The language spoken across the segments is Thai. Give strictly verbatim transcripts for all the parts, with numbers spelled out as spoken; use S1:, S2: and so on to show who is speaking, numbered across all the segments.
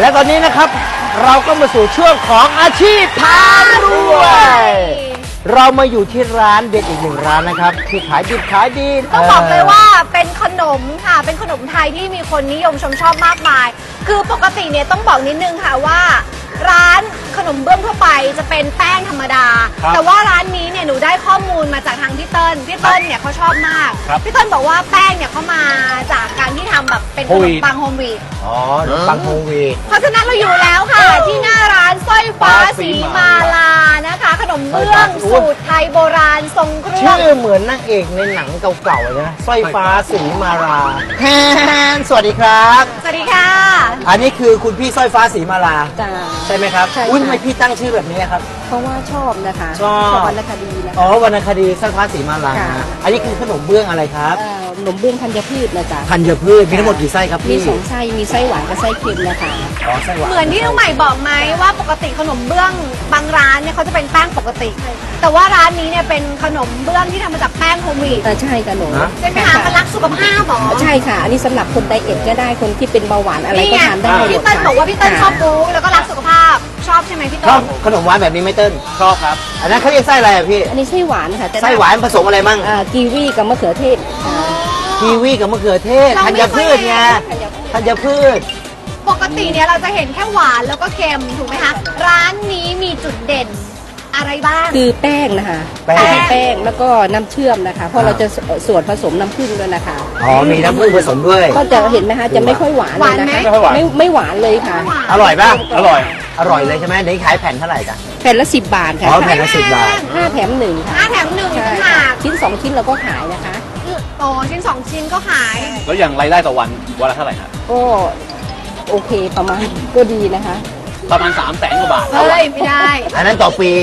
S1: และตอนนี้นะครับเราก็มาสู่ช่วงของอาชีพพารวยเรามาอยู่ที่ร้านเด็ดอีกหนึ่งร้านนะครับที่ขายดิบขายดี
S2: ต้องบอกเลยว่าเป็นขนมค่ะเป็นขนมไทยที่มีคนนิยมชมชอบมากมายคือปกติเนี่ยต้องบอกนิดนึงค่ะว่าร้านขนมเบื้องทั่วไปจะเป็นแป้งธรรมดาแต่ว่าร้านนี้เนี่ยหนูได้ข้อมูลมาจากทางพี่เติ้ลพี่เติ้ลเนี่ยเขาชอบมากพี่เติ้ลบอกว่าแป้งเนี่ยเขามาจากการที่ทำแบบเป็นขนมปังโฮมวีด
S1: อ๋อขนมปังโฮมวีด
S2: เพราะฉะนั้นเราอยู่แล้วค่ะที่หน้าร้านสร้อยฟ้าสีมาลานะคะขนมเบื้องสูตรไทยโบราณทรงเครื่อง
S1: ชื่อเหมือนนางเอกในหนังเก่าๆเลยนะสร้อยฟ้าสีมาลาแฮนสวัสดีครับ
S2: สวัสดีค่ะ
S1: อันนี้คือคุณพี่สร้อยฟ้าสีมาลา
S3: จ้า
S1: ใช่ไหมครับอุ้ยทำไมพี่ตั้งชื่อแบบนี้ครับ
S3: เพราะว่าชอบนะคะ
S1: ชอบ
S3: วรรณคดีนะคะ
S1: อ๋อวรรณคดีสร้อยฟ้าสีมาลาอันนี้คือขนมเบื้องอะไรครับ
S3: ขนมเบื้องธัญพืชนะจ๊ะ
S1: ธัญพืชมีทั้งหมดกี่ไส้ครับพี่
S3: มีสองไส้มีไส้หวานกับไส้เค็มนะคะ
S1: อ๋อไส้หวาน
S2: เหมือนที่น้องใหม่บอกไหมว่าปกติขนมเบื้องบางร้านเนี่ยเขาจะเป็นแป้งปกติแต่ว่าร้านนี้เนี่ยเป็นขนมเบื้องที่ทำมาจากแป้งโฮมวีด
S3: ใช่ค่ะหนู
S2: ใช่ไหมคะมันรักสุขภาพหรอ
S3: ใช่ค่ะอันนี้สำหรับคนไดเอทก็ได้คนที่เป็นเบาหวานอะไรก็ทานได้
S2: พี่เติ้ลบอกว่าพี่เติ้ลชอบปูแล้วก็รักสุขภาพชอบใช่ไหมพี่เติ้ล
S1: ชอบขนมหวานแบบนี้ไหมเติ้ลชอบครับอันนั้นเขาเรียกไส้อะไรอ่ะพี่
S3: อันนี้ไส้หวานค่ะ
S1: ไส้หวานผสมอะไรมั่ง
S3: กีวีกับมะเขือเทศ
S1: กีวีกับมะเขือเทศธัญพืชไงธัญพืช
S2: ปกติเนี่ยเราจะเห็นแค่หวานแล้วก็เค็มถูกไหมคะร้านนี้มีจุดเด่นอะไรบ้าง
S3: คือแป้งนะคะแป้งแป้งแล้วก็น้ำเชื่อมนะคะเพราะเราจะส่วนผสมน้ำผึ้งด้วยนะคะ
S1: อ๋อมีน้ำผึ้งผสมด้วย
S3: ก็จะเห็นไหมคะจะไม่ค่อยหวานเลยนะคะไม่ไม่หวานเลยค่ะ
S1: อร่อยป่ะอร่อยอร่อยเลยใช่ไหมเดี๋ยวขายแผ่นเท่าไหร่กัน
S3: แผ่นละสิบบาทค่ะ
S1: อ๋อแผ่นละสิบบาท
S3: ห้าแถมหนึ่งค่ะ
S2: ห้าแถมหนึ่งค่ะ
S3: ชิ้นสองชิ้นเราก็ขายนะคะ
S2: โอ้ชิ้นสองชิ้นก็ขาย
S4: แล้วอย่างรายได้ต่อวันวันละเท่าไหร่ครับ
S3: ก็โอเคประมาณก็ดีนะคะ
S4: ประมาณสามแสนกว่าบาท
S2: เฮ้ยไม่ได้
S1: อันนั้นต่อปี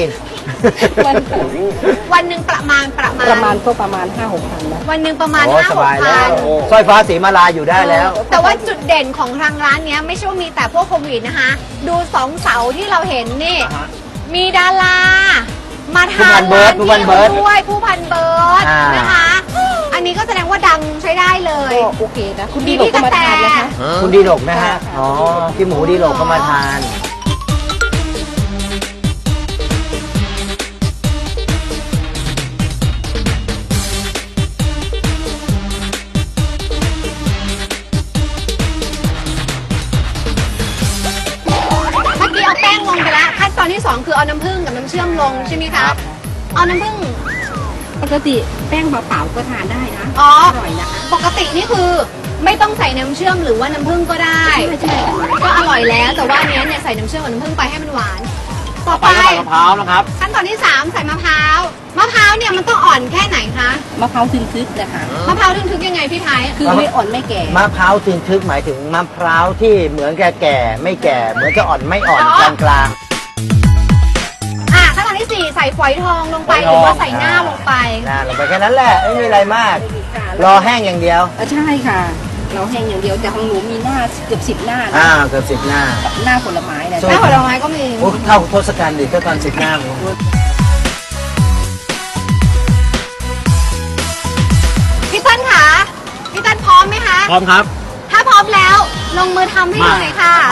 S2: วันหนึ่งประมาณประมาณ
S3: ประมาณก็ประมาณห้าหกพันนะ
S2: วันหนึ่งประมาณห้าหกพัน
S1: สร้อยฟ้าสีมาลาอยู่ได้แล้ว
S2: แต่ว่าจุดเด่นของทางร้านนี้ไม่ใช่ว่ามีแต่พวกโควิดนะคะดูสองเสาที่เราเห็นนี่มีดารามาทานร้านนี้ด้วยผู้พันเบิร์ดนะคะอันนี้ก็แสดงว่าดังใช้ได้เลย
S3: โอเคนะคุณดีหลกก็มาทานนะคะ
S1: คุณดีหลกนะฮะอ๋อพี่หมูดีหลกก็มาทาน
S2: ตอนที่สองคือเอาน้ำผึ้งกับน้ำเชื่อมลงใช่ไหมคะเอาน้ำผึ้ง
S3: ปกติแป้งเปล่าๆก็ทานได้นะ
S2: อ๋ออร่อยนะคะปกตินี่คือไม่ต้องใส่น้ำเชื่อมหรือว่าน้ำผึ้งก็ได้
S3: ใช่
S2: ก็อร่อยแล้วแต่ว่าอันนี้เนี่ยใส่น้ำเชื่อมกับน้ำผึ้งไปให้มันหวานต่อไป
S4: มะพร้าวนะครับ
S2: ขั้นตอนที่สามใส่มะพร้าวมะพร้าวเนี่ยมันต้องอ่อนแค่ไหนคะ
S3: มะพร้าวทึนทึกนะคะ
S2: มะพร้าวทึนทึกยังไงพี่ไทย
S3: คือไม่อ่อนไม่แก่
S1: มะพร้าวทึนทึกหมายถึงมะพร้าวที่เหมือนแก่แก่ไม่แก่เหมือนจะอ่อนไม่อ่อนกลางกลาง
S2: ขั้นตอนที่สี่ใส่ฝอยทองลงไปหรือว่าใส่หน้าลงไป
S1: หน้าลงไปแค่นั้นแหละไม่มีอะไรมากรอแห้งอย่างเดียว
S3: ใช่ค่ะเราแห้งอย่างเดียวแต่ของหนูมีหน้าเกือบสิบหน้า
S1: อ่าเกือบสิบหน้า
S3: หน้าผลไม้นะ
S2: หน้าผลไม้ก็มี
S1: เท่าทศกัณฐ์ดิเท่าตอนสิบหน้า
S2: พี่ต้นคะพี่ต้นพร้อมไหมคะ
S4: พร้อมครับ
S2: ถ้าพร้อมแล้วลงมือทำให้ดูหน่อยค่ะ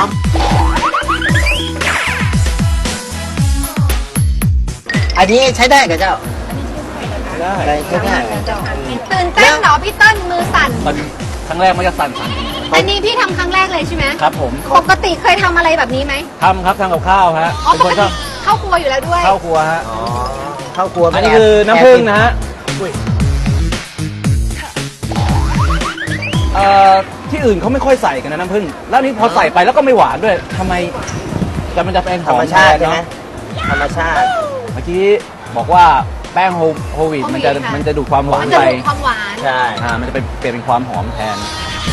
S1: อันนี้ใช้ได้กับเจ้า
S4: ได้
S1: ใช้ได้
S2: ตื่นเต้นเหรอพี่เติ้ลมือสั่น
S4: ครั้งแรกไม่จะสั่นสั่น
S2: อันนี้พี่ทำครั้งแรกเลยใช่ไหม
S4: ครับผม
S2: ปกติเคยทำอะไรแบบนี้ไหม
S4: ทำครับทำกับข้าวฮะ
S2: อ๋อปกติเข้าครัวอยู่แล้วด้วย
S4: เข้าครัวฮะ
S1: อ๋อเข้าครัว
S4: อันนี้คือน้ำผึ้งนะฮะเอ่อที่อื่นเขาไม่ค่อยใส่กันนะน้ำผึ้งแล้วนี้พอใส่ไปแล้วก็ไม่หวานด้วยทำไมแต่มันจะเป็น
S1: ธรรมชาติใช่ไหมธรรมชาติ
S4: เมื่อกี้บอกว่าแป้งโฮวีดมันจะมันจะดูดความหวานไป
S2: ความหวาน
S1: ใช่
S4: อ่ามันจะเป็นเปลี่ยนเป็นความหอมแทน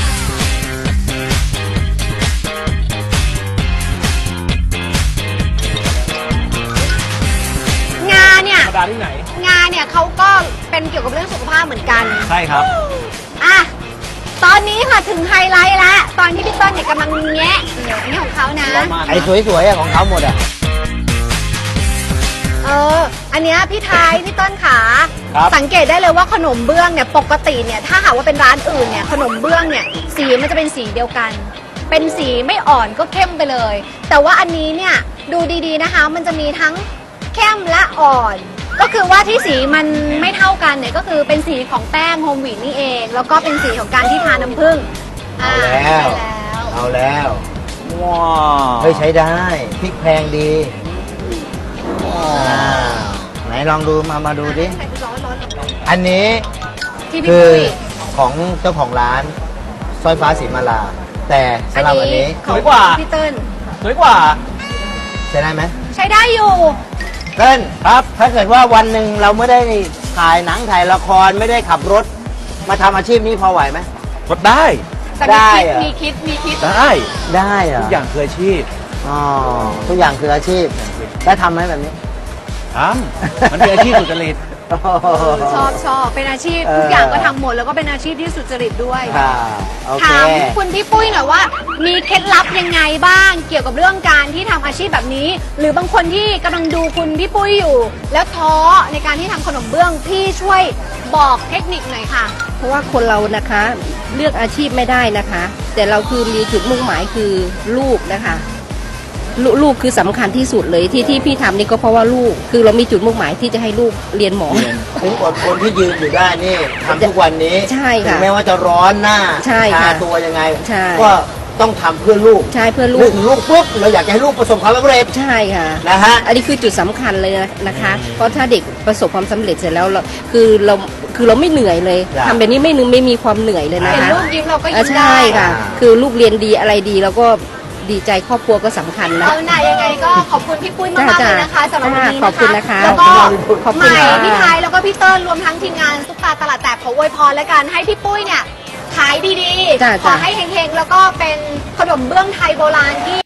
S2: งาเนี่ย
S4: ธรรมดาที่ไหน
S2: งาเนี่ยเขาก็เป็นเกี่ยวกับเรื่องสุขภาพเหมือนกัน
S4: ใช่ครับ
S2: อ่ะตอนนี้ค่ะถึงไฮไลท์ละตอนที่พี่ต้นเนี่ยกำลังแงะอันนี้ของเขานะ
S1: ไอ้สวยๆของเขาหมดอ่ะ
S2: เอออันนี้พี่ไทยพี่ต้นขาสังเกตได้เลยว่าขนมเบื้องเนี่ยปกติเนี่ยถ้าหากว่าเป็นร้านอื่นเนี่ยขนมเบื้องเนี่ยสีมันจะเป็นสีเดียวกันเป็นสีไม่อ่อนก็เข้มไปเลย แต่ว่าอันนี้เนี่ยดูดีๆนะคะ มันจะมีทั้งเข้มและอ่อน ก็คือว่าที่สีมันไม่เท่ากันเนี่ยก็คือเป็นสีของแป้งโฮมวีดนี่เอง แล้วก็เป็นสีของการที่ทาน้ำผึ้ง
S1: เอาแล้ว
S2: ใช่แล้ว
S1: เอาแล้ว
S4: ว้าว
S1: เฮ้ยใช้ได้พริกแพงดีอ่าไหนลองดูมามาดูดิ
S2: ร้อนร้อนร้อน
S1: อันนี้
S2: ที่พี่
S1: คือ
S2: ปุ้ย
S1: ของเจ้าของร้านสร้อยฟ้าสีมาลา แต่สำหรับอันนี้
S2: ของพี่เติ้ล
S4: สวยกว่า
S1: ใช้ได้ไหม
S2: ใช้ได้อยู่
S1: เต้นครับ ถ้าเกิดว่าวันหนึ่งเราไม่ได้ถ่ายหนังถ่ายละครไม่ได้ขับรถ มาทำอาชีพนี้พอไหวไหม
S4: กดได้
S2: แต่
S1: ได้
S2: มี
S1: เหรอ
S2: คิดมีคิดมีคิด
S4: ได้
S1: ได้เหร
S4: ทุ
S1: อก
S4: อย่างคืออาชีพ
S1: อ๋อทุกอย่างคืออาชีพแล้วทำไหมแบบนี้
S4: ทำมันเป็นอาชีพสุจริต
S2: ชอบชอบเป็นอาชีพ
S1: เออ
S2: ทุกอย่างก็ทำหมดแล้วก็เป็นอาชีพที่สุจริตด้วย
S1: ค่ะโอเค
S2: ถามคุณพี่ปุ้ยหน่อยว่า มีเคล็ดลับยังไงบ้าง เกี่ยวกับเรื่องการที่ทำอาชีพแบบนี้ หรือบางคนที่กำลังดูคุณพี่ปุ้ยอยู่ แล้วท้อในการที่ทำขนมเบื้องพี่ช่วยบอกเทคนิคหน่อยค่ะ
S3: เพราะว่าคนเรานะคะเลือกอาชีพไม่ได้นะคะ แต่เราคือมีจุดมุ่งหมายคือลูกนะคะลลูกคือสำคัญที่สุดเลยที่ที่พี่ทำนี่ก็เพราะว่าลูกคือเรามีจุดมุ่งหมายที่จะให้ลูกเรียนหมอ
S4: เรียน
S1: ถึงอดคนที่ยืนอยู่ได้นี่ทำทุกวันนี้
S3: ใช่ค่ะ
S1: ถึงแม้ว่าจะร้อนหน้า
S3: ใช่ค่ะ
S1: ชาตัวยังไง
S3: ใช่
S1: ก็ต้องทำเพื่อลูก
S3: ใช่เพื่อลู
S1: นึก
S3: ก
S1: ถึงลูกปุ๊บเราอยากจะให้ลูกประสบความสำเร็จ
S3: ใช่ค่ะ
S1: นะฮะ
S3: อันนี้คือจุดสำคัญเลยนะคะ เพราะถ้าเด็กประสบความสำเร็จเสร็จแล้วเราคือเราคือเราไม่เหนื่อยเลย
S1: จ้ะ
S3: ทำแบบนี้ไม่นึงไม่มีความเหนื่อยเลยนะ
S2: เห็น
S3: คะ
S2: ลูกยิ้มเราก็
S3: อ่า
S2: ยิ้ม
S3: ใช่
S2: ได้
S3: ค่ะ
S1: อ่า
S3: คือลูกเรียนดีอะไรดีแล้วก็ดีใจครอบครัวก็สำคัญนะ
S2: เอาหน่ายังไงก็ขอบคุณพี่ปุ้ยมากๆเลยนะคะสำหรับวันนี้
S3: ขอบคุณนะคะ
S2: แล้วก็
S3: ขอบ
S2: ให
S3: คุณ
S2: ม่
S3: ค่ะ
S2: พี่ไทยแล้วก็พี่เติ้ลรวมทั้งทีมงานซุปตาตลาดแตกขออวยพรแล้วกันให้พี่ปุ้ยเนี่ยขายดี
S3: จ้ะ
S2: ๆ ขอให้เฮงๆ แล้วก็เป็นขนมเบื้องไทยโบราณที่